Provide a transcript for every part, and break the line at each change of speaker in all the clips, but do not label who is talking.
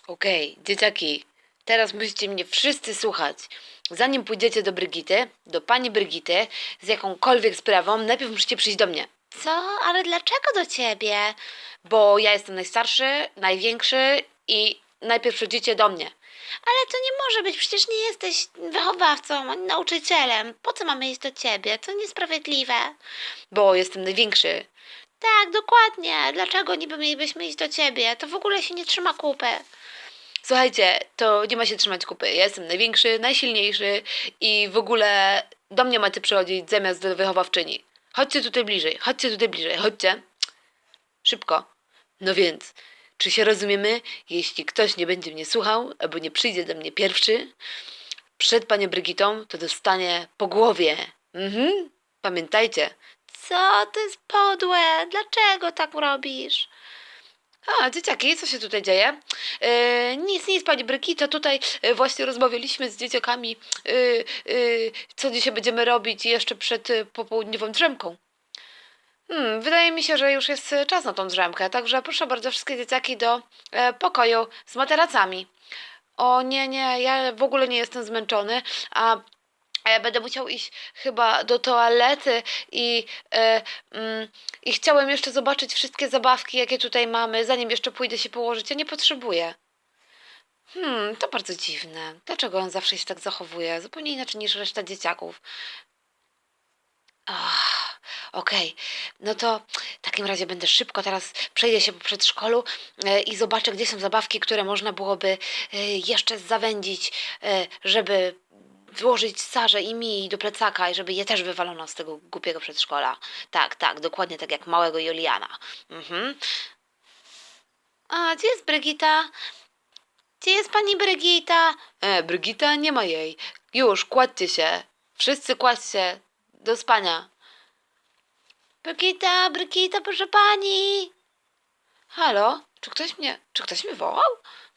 Okej, dzieciaki, teraz musicie mnie wszyscy słuchać. Zanim pójdziecie do Brygity, do pani Brygity, z jakąkolwiek sprawą, najpierw musicie przyjść do mnie.
Co? Ale dlaczego do ciebie?
Bo ja jestem najstarszy, największy i najpierw przyjdziecie do mnie.
Ale to nie może być, przecież nie jesteś wychowawcą ani nauczycielem. Po co mamy iść do ciebie? To niesprawiedliwe.
Bo jestem największy.
Tak, dokładnie. Dlaczego niby mielibyśmy iść do ciebie? To w ogóle się nie trzyma kupy.
Słuchajcie, to nie ma się trzymać kupy. Ja jestem największy, najsilniejszy i w ogóle do mnie macie przychodzić zamiast do wychowawczyni. Chodźcie tutaj bliżej, chodźcie tutaj bliżej, chodźcie. Szybko. No więc, czy się rozumiemy? Jeśli ktoś nie będzie mnie słuchał, albo nie przyjdzie do mnie pierwszy, przed panią Brygitą, to dostanie po głowie. Pamiętajcie.
Co? To jest podłe. Dlaczego tak robisz?
A, dzieciaki, co się tutaj dzieje? Nic, pani Brygito, tutaj właśnie rozmawialiśmy z dzieciakami, co dzisiaj będziemy robić jeszcze przed popołudniową drzemką. Wydaje mi się, że już jest czas na tą drzemkę, także proszę bardzo wszystkie dzieciaki do pokoju z materacami. O nie, ja w ogóle nie jestem zmęczony, a ja będę musiał iść chyba do toalety i chciałem jeszcze zobaczyć wszystkie zabawki, jakie tutaj mamy, zanim jeszcze pójdę się położyć. Ja nie potrzebuję. To bardzo dziwne. Dlaczego on zawsze się tak zachowuje? Zupełnie inaczej niż reszta dzieciaków. Okej, no to w takim razie będę szybko teraz przejdę się po przedszkolu i zobaczę, gdzie są zabawki, które można byłoby jeszcze zawędzić, żeby włożyć Sarze i mi do plecaka i żeby je też wywalono z tego głupiego przedszkola. Tak, dokładnie tak jak małego Juliana.
A, gdzie jest Brygita? Gdzie jest pani Brygita?
Brygita, nie ma jej. Już, kładźcie się. Wszyscy kładźcie do spania.
Brygita, proszę pani.
Halo? Czy ktoś mnie wołał?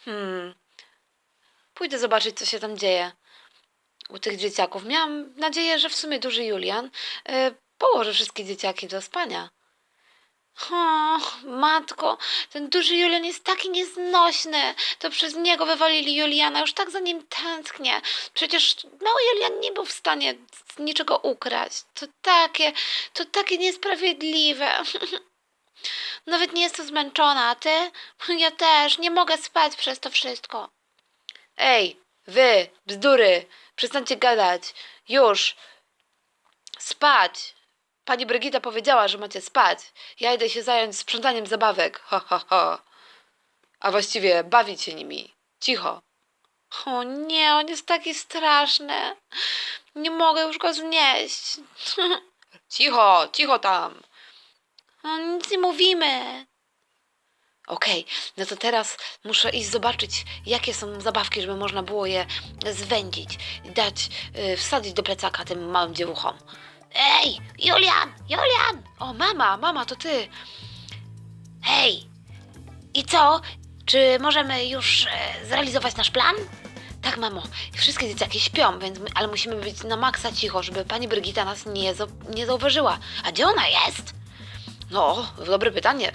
Pójdę zobaczyć, co się tam dzieje u tych dzieciaków. Miałam nadzieję, że w sumie duży Julian położy wszystkie dzieciaki do spania.
O, matko, ten duży Julian jest taki nieznośny. To przez niego wywalili Juliana, już tak za nim tęsknię. Przecież mały Julian nie był w stanie niczego ukraść. To takie niesprawiedliwe. Nawet nie jestem zmęczona, a ty? Ja też, nie mogę spać przez to wszystko.
Ej, wy, bzdury, przestańcie gadać. Już. Spać. Pani Brygita powiedziała, że macie spać. Ja idę się zająć sprzątaniem zabawek. Ho. A właściwie bawić się nimi. Cicho.
O nie, on jest taki straszny. Nie mogę już go znieść.
Cicho tam.
No, nic nie mówimy.
Okej, no to teraz muszę iść zobaczyć, jakie są zabawki, żeby można było je zwędzić i wsadzić do plecaka tym małym dziewuchom.
Ej, Julian!
O, mama, to ty.
Hej! I co? Czy możemy już zrealizować nasz plan?
Tak, mamo, wszystkie dzieciaki śpią, ale musimy być na maksa cicho, żeby pani Brygita nas nie zauważyła.
A gdzie ona jest?
No, dobre pytanie.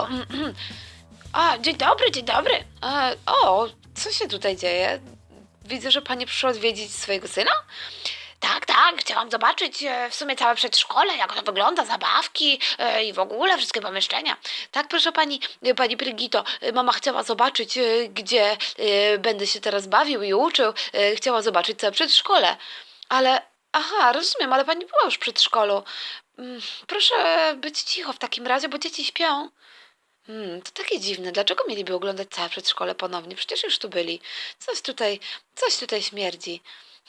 Dzień dobry.
Co się tutaj dzieje? Widzę, że pani przyszła odwiedzić swojego syna?
Tak, chciałam zobaczyć w sumie całe przedszkole, jak to wygląda, zabawki i w ogóle wszystkie pomieszczenia.
Tak, proszę pani Brygito, mama chciała zobaczyć, gdzie będę się teraz bawił i uczył. Chciała zobaczyć całe przedszkole. Rozumiem, ale pani była już w przedszkolu. Proszę być cicho w takim razie, bo dzieci śpią. To takie dziwne. Dlaczego mieliby oglądać całe przedszkole ponownie? Przecież już tu byli. Coś tutaj śmierdzi.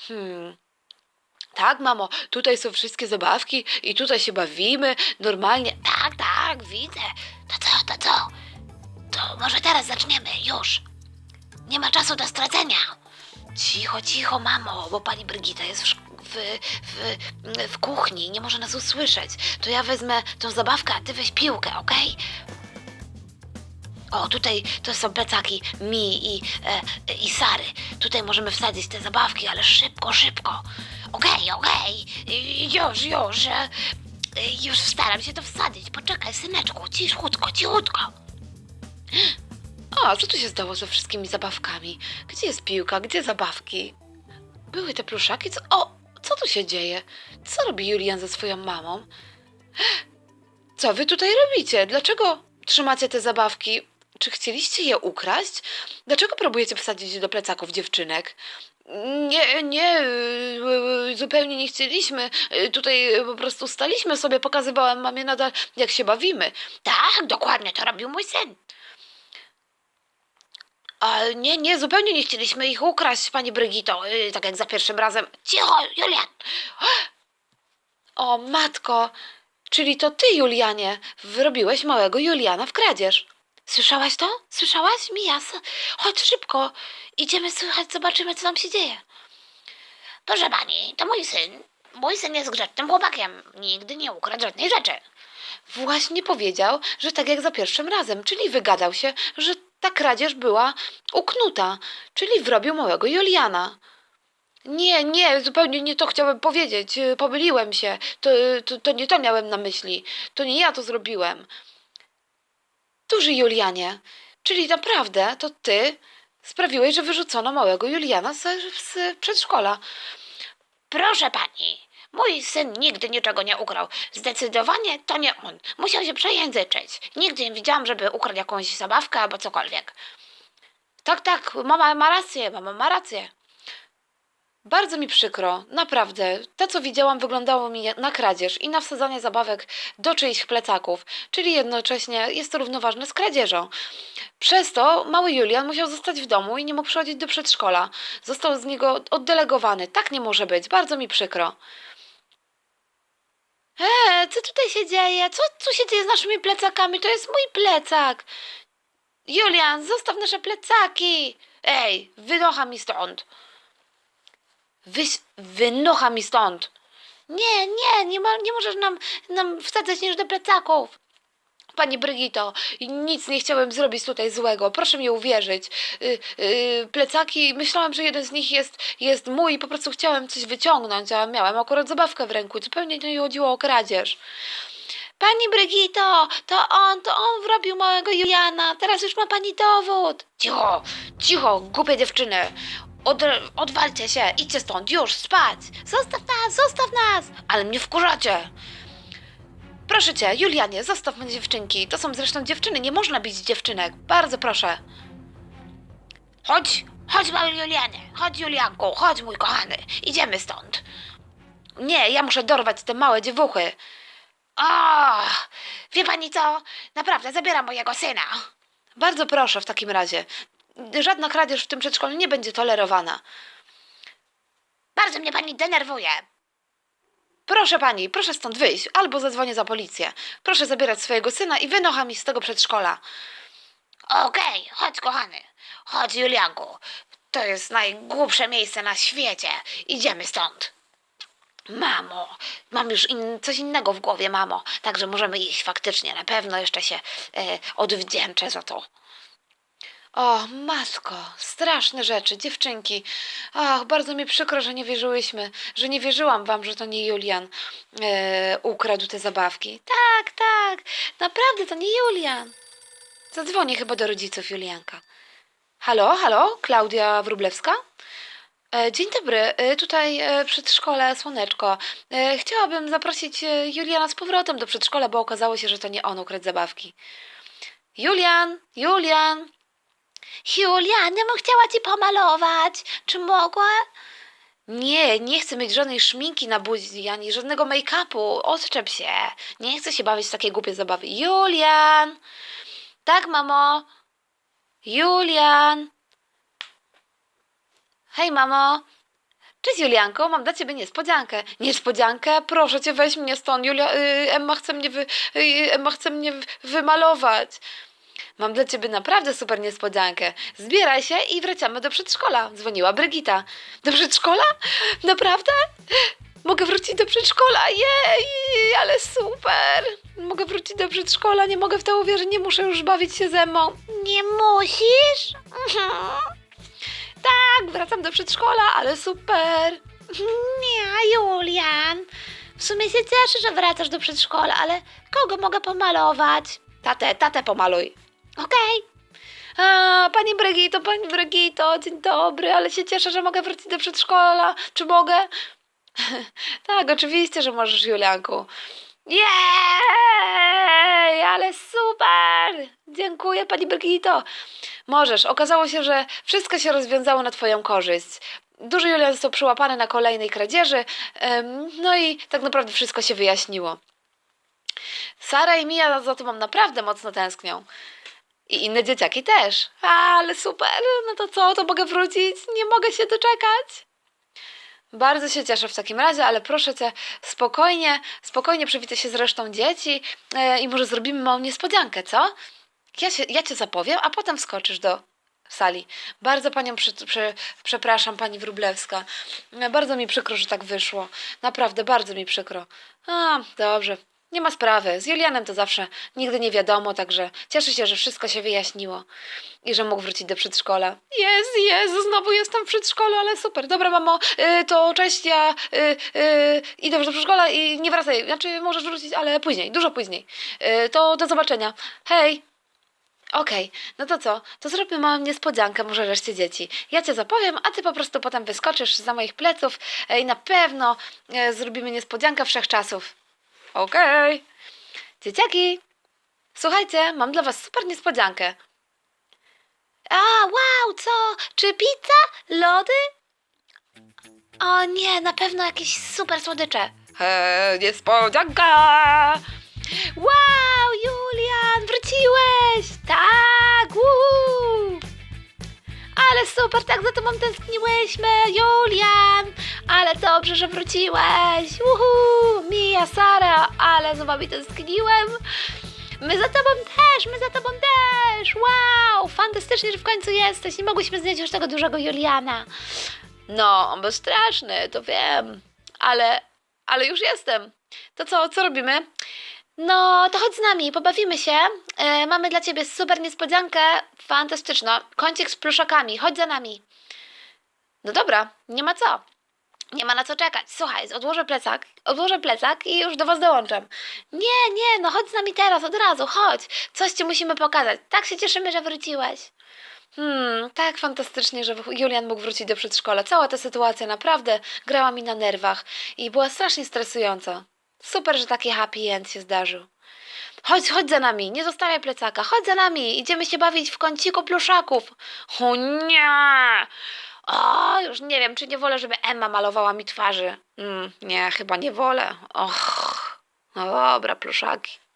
Tak, mamo, tutaj są wszystkie zabawki i tutaj się bawimy normalnie.
Tak, widzę. To co? To może teraz zaczniemy, już. Nie ma czasu do stracenia.
Cicho, mamo, bo pani Brygita jest w kuchni i nie może nas usłyszeć. To ja wezmę tą zabawkę, a ty weź piłkę, okej? O, tutaj to są plecaki mi i Sary. Tutaj możemy wsadzić te zabawki, ale szybko.
Okej. Już staram się to wsadzić. Poczekaj, syneczku, cichutko.
O, co tu się stało ze wszystkimi zabawkami? Gdzie jest piłka? Gdzie zabawki? Były te pluszaki? Co tu się dzieje? Co robi Julian ze swoją mamą? Co wy tutaj robicie? Dlaczego trzymacie te zabawki? Czy chcieliście je ukraść? Dlaczego próbujecie wsadzić do plecaków dziewczynek? Nie, zupełnie nie chcieliśmy. Tutaj po prostu staliśmy sobie, pokazywałem mamie nadal, jak się bawimy.
Tak, dokładnie, to robił mój syn.
Ale nie, zupełnie nie chcieliśmy ich ukraść, pani Brygito, tak jak za pierwszym razem.
Cicho, Julian!
O, matko, czyli to ty, Julianie, wrobiłeś małego Juliana w kradzież.
Słyszałaś to? Słyszałaś? Mija, chodź szybko. Idziemy słychać, zobaczymy, co tam się dzieje. Proszę pani, to mój syn. Mój syn jest grzecznym chłopakiem. Nigdy nie ukradł żadnej rzeczy.
Właśnie powiedział, że tak jak za pierwszym razem, czyli wygadał się, że ta kradzież była uknuta, czyli wrobił małego Juliana. Nie, zupełnie nie to chciałem powiedzieć. Pomyliłem się. To nie to miałem na myśli. To nie ja to zrobiłem. Duży Julianie, czyli naprawdę to ty sprawiłeś, że wyrzucono małego Juliana z przedszkola.
Proszę pani, mój syn nigdy niczego nie ukradł. Zdecydowanie to nie on. Musiał się przejęzyczyć. Nigdy nie widziałam, żeby ukradł jakąś zabawkę albo cokolwiek.
Tak, mama ma rację. Bardzo mi przykro, naprawdę. To, co widziałam, wyglądało mi na kradzież i na wsadzanie zabawek do czyichś plecaków, czyli jednocześnie jest to równoważne z kradzieżą. Przez to mały Julian musiał zostać w domu i nie mógł przychodzić do przedszkola. Został z niego oddelegowany. Tak nie może być. Bardzo mi przykro.
Co tutaj się dzieje? Co się dzieje z naszymi plecakami? To jest mój plecak.
Julian, zostaw nasze plecaki! Ej, wynocha mi stąd! Wynocha mi stąd!
Nie możesz nam wsadzać niż do plecaków.
Pani Brygito, nic nie chciałem zrobić tutaj złego. Proszę mi uwierzyć. Plecaki, myślałam, że jeden z nich jest mój i po prostu chciałem coś wyciągnąć, a miałem akurat zabawkę w ręku. Zupełnie nie chodziło o kradzież.
Pani Brygito, to on wrobił małego Juliana. Teraz już ma pani dowód.
Cicho, głupie dziewczyny. Odwalcie się, idźcie stąd, już, spać.
Zostaw nas.
Ale mnie wkurzacie. Proszę cię, Julianie, zostaw mnie dziewczynki. To są zresztą dziewczyny, nie można bić dziewczynek. Bardzo proszę.
Chodź mały Julianie, chodź Julianku, chodź mój kochany. Idziemy stąd.
Nie, ja muszę dorwać te małe dziewuchy.
Wie pani co? Naprawdę, zabieram mojego syna.
Bardzo proszę w takim razie. Żadna kradzież w tym przedszkolu nie będzie tolerowana.
Bardzo mnie pani denerwuje.
Proszę pani, proszę stąd wyjść, albo zadzwonię za policję. Proszę zabierać swojego syna i wynocha mi z tego przedszkola.
Okej, chodź kochany. Chodź Julianku. To jest najgłupsze miejsce na świecie. Idziemy stąd. Mamo, mam już coś innego w głowie, mamo. Także możemy iść faktycznie. Na pewno jeszcze się odwdzięczę za to.
O, matko, straszne rzeczy, dziewczynki. Ach, bardzo mi przykro, że nie wierzyłyśmy, że nie wierzyłam wam, że to nie Julian ukradł te zabawki.
Tak, naprawdę to nie Julian.
Zadzwonię chyba do rodziców Julianka. Halo, Klaudia Wróblewska? Dzień dobry, tutaj przedszkole Słoneczko. Chciałabym zaprosić Juliana z powrotem do przedszkola, bo okazało się, że to nie on ukradł zabawki. Julian!
Julian, ja bym chciała ci pomalować. Czy mogła?
Nie chcę mieć żadnej szminki na buzi, ani żadnego make-upu. Odczep się. Nie chcę się bawić w takie głupie zabawy. Julian! Tak, mamo? Julian! Hej, mamo! Cześć, Julianko, mam dla ciebie niespodziankę. Niespodziankę? Proszę cię, weź mnie stąd. Emma chce mnie wymalować. Mam dla ciebie naprawdę super niespodziankę. Zbieraj się i wracamy do przedszkola. Dzwoniła Brygita. Do przedszkola? Naprawdę? Mogę wrócić do przedszkola? Jej, ale super. Mogę wrócić do przedszkola, nie mogę w to uwierzyć, nie muszę już bawić się ze mną.
Nie musisz?
Tak, wracam do przedszkola, ale super.
Nie, Julian. W sumie się cieszę, że wracasz do przedszkola, ale kogo mogę pomalować?
Tatę pomaluj.
Okej.
Pani Brygito, dzień dobry, ale się cieszę, że mogę wrócić do przedszkola. Czy mogę? Tak, oczywiście, że możesz, Julianku. Jej, ale super! Dziękuję, pani Brygito. Możesz. Okazało się, że wszystko się rozwiązało na twoją korzyść. Duży Julian został przyłapany na kolejnej kradzieży, no i tak naprawdę wszystko się wyjaśniło. Sara i Mia za tobą naprawdę mocno tęsknią. I inne dzieciaki też. Ale super, no to co, to mogę wrócić? Nie mogę się doczekać. Bardzo się cieszę w takim razie, ale proszę cię, spokojnie przywitaj się z resztą dzieci i może zrobimy małą niespodziankę, co? Ja cię zapowiem, a potem wskoczysz do sali. Bardzo panią przepraszam, pani Wróblewska. Bardzo mi przykro, że tak wyszło. Naprawdę, bardzo mi przykro. Dobrze. Nie ma sprawy. Z Julianem to zawsze nigdy nie wiadomo, także cieszę się, że wszystko się wyjaśniło i że mógł wrócić do przedszkola. Jezu, znowu jestem w przedszkolu, ale super. Dobra, mamo, to cześć, ja idę już do przedszkola i nie wracaj. Znaczy, możesz wrócić, ale później, dużo później. To do zobaczenia. Hej! Okej, no to co? To zrobimy małą niespodziankę, może reszcie dzieci. Ja cię zapowiem, a ty po prostu potem wyskoczysz za moich pleców i na pewno zrobimy niespodziankę wszechczasów. Okej. Dzieciaki, słuchajcie, mam dla was super niespodziankę. Wow, co? Czy pizza? Lody? O nie, na pewno jakieś super słodycze. Niespodzianka! Wow, Julian, wróciłeś! Tak, Ale super, tak za tobą tęskniłyśmy, Julian! Ale dobrze, że wróciłeś! Mia, Sara, ale za wami tęskniłem! My za tobą też! Wow, fantastycznie, że w końcu jesteś! Nie mogłyśmy znieść już tego dużego Juliana. No, on był straszny, to wiem, ale już jestem. To co robimy? No, to chodź z nami, pobawimy się. Mamy dla ciebie super niespodziankę, fantastyczną. Kącik z pluszakami, chodź za nami. No dobra, nie ma co. Nie ma na co czekać. Słuchaj, odłożę plecak i już do was dołączam. Nie, no chodź z nami teraz, od razu, chodź. Coś ci musimy pokazać. Tak się cieszymy, że wróciłeś. Tak fantastycznie, że Julian mógł wrócić do przedszkola. Cała ta sytuacja naprawdę grała mi na nerwach i była strasznie stresująca. Super, że taki happy end się zdarzył. Chodź za nami, nie zostawiaj plecaka, chodź za nami, idziemy się bawić w kąciku pluszaków. O nie! O, już nie wiem, czy nie wolę, żeby Emma malowała mi twarzy. Nie, chyba nie wolę. No dobra, pluszaki.